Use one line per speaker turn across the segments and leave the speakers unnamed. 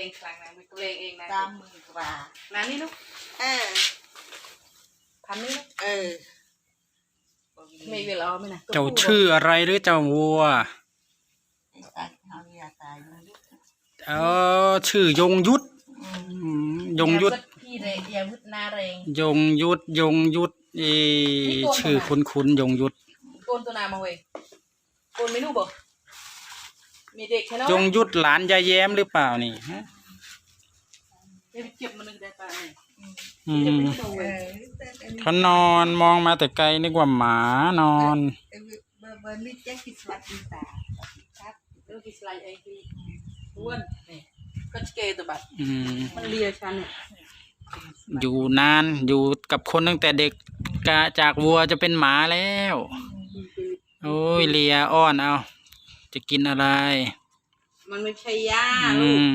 งครั้งนะไม่ตัวเองนะ
30,000 กว่า
นั่นนี่ลูกพันนี่ลูกไม่เวลาไม่นะ
เจ้าชื่ออะไรหรือเจ้าวัวชื่อยงยุทธยงยุทธ
พี่เรยาวุฒนาเรง
ยงยุทธยงยุทธชื่อคุ้นๆยงยุทธ
โกนตัวนามาเว้ยโกนไม่รู้บ่มีเด็กแค่นั้น
ยงยุทธหลานยายแย้มหรือเปล่านี่ฮะ
เจ็บมันนึงได้ป่ะ
เขานอนมองมาแต่ไกลนึกว่าหมานอน
นี่แจ๊กกิสลัดดีตา
ครับเรื่องกิสไลไอ้ที่อ้วนนี่ก็เกย์ตัวบัดมันเลียฉันเนี่ย
อยู่นานอยู่กับคนตั้งแต่เด็กกะจากวัวจะเป็นหมาแล้วโอ้ยเลียอ้อนเอาจะกินอะไร
มันไม่ใช่ย่าลูก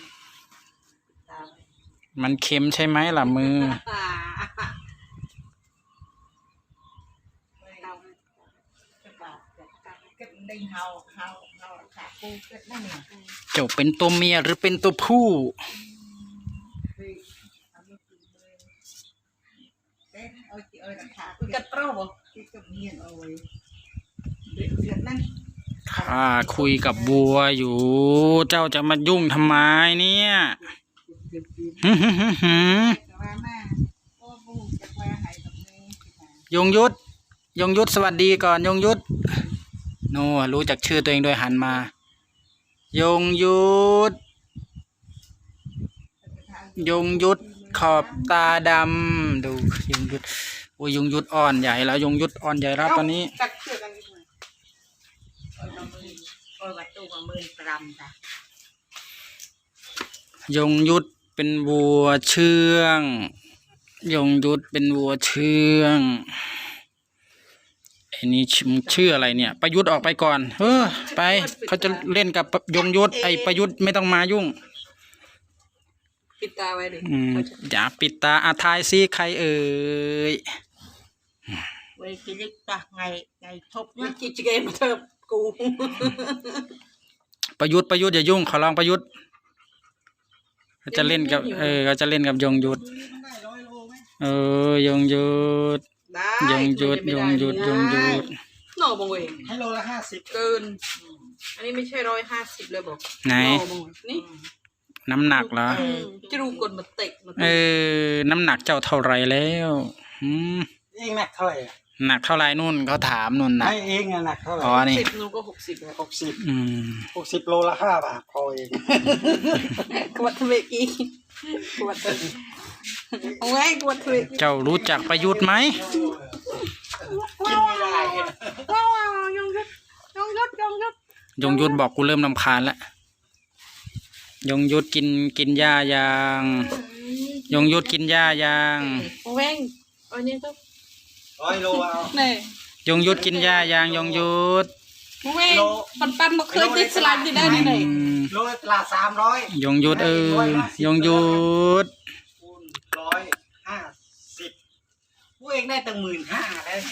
มันเค็มใช่ไหมล่ะมือเจ้าเป็นตัวเมียหรือเป็นตัวผู้ข้าคุยกับบัวอยู่เจ้าจะมายุ่งทำไมเนี่ยยงยุทธยงยุทธสวัสดีก่อนยงยุทธโน่รู้จักชื่อตัวเองโดยหันมายงยุทธยงยุทธขอบตาดำดูยงยุทธโอ้ยยงยุทธอ่อนใหญ่แล้วยงยุทธอ่อนใหญ่แล้วตอนนี้ยงยุทธเป็นวัวเชื่องยงยุทธเป็นวัวเชื่องไอ้นี่ชื่ออะไรเนี่ยประยุทธ์ออกไปก่อนไปเขาจะเล่นกับยงยุทธไอ้ประยุทธ์ไม่ต้องมายุ่ง
ปิดตาไว้ดิ
อย่าปิดตาทายซิใครเอ่ย
เว้ยกิลิกตาไงทบ
มันจิเกมเธอกู
ประยุทธ์อย่ายุ่งขอร้องประยุทธ์เขาจะเล่นกับเขาจะเล่นกับยงยุทธยงยุทธยงยุทธ
หน่อบังเวง
ให้โลละ50
เกินอันนี้ไม่ใช่150เลยบอก
ไหน
นี่
น้ำหนักเหรอ
จะรู้กดมาเตะ
น้ำหนักเจ้าเท่าไรแล้ว
เองหนักเท่าไหร่
หนักเท่าไรนู่นเขาถามนู่นนะ
ไม่เองหนักเท่าไหร่
60นู่นก็
60โลละ5 บาทพอเอง
กวดทเวกีกวดเอาไว้กวดทเวกี
เจ้ารู้จักประยุทธ์ไหม
กินไม่ได้
ยง
ยุทธบอกกูเริ่มรำคาญแล้วยงยุทธกินหญ้ายางยงยุทธกินหญ้ายาง
แว้งอันนี้ก็
100 โลเอา
นี่
ยงยุทธกินหญ้ายางยงยุทธ
แว้งปันมาเคยติดสลัดที่ได้ไหน
โลละ300
ยงยุทธยงยุทธ
150ผู้เองได้ตั้ง15,000แล้ว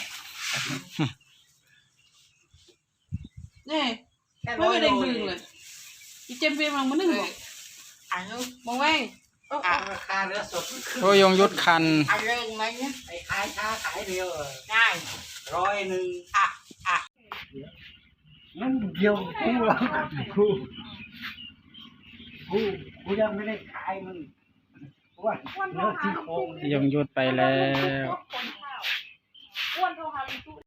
นี่ไม่ได้บึ้งเลยอีเจมเปียมันนึ่งบอกมองแว้ง
ราคาเนื้อสด
โอ้ยงยุทธคัน
เรื่องไหมเนี่ยไอ้ขายช้าขายเร็วง่าย100นั่นเดียวกูยังไม่ได้ขายมึงว่าเนื้อที่โครง
ยงยุทธไปแล้ว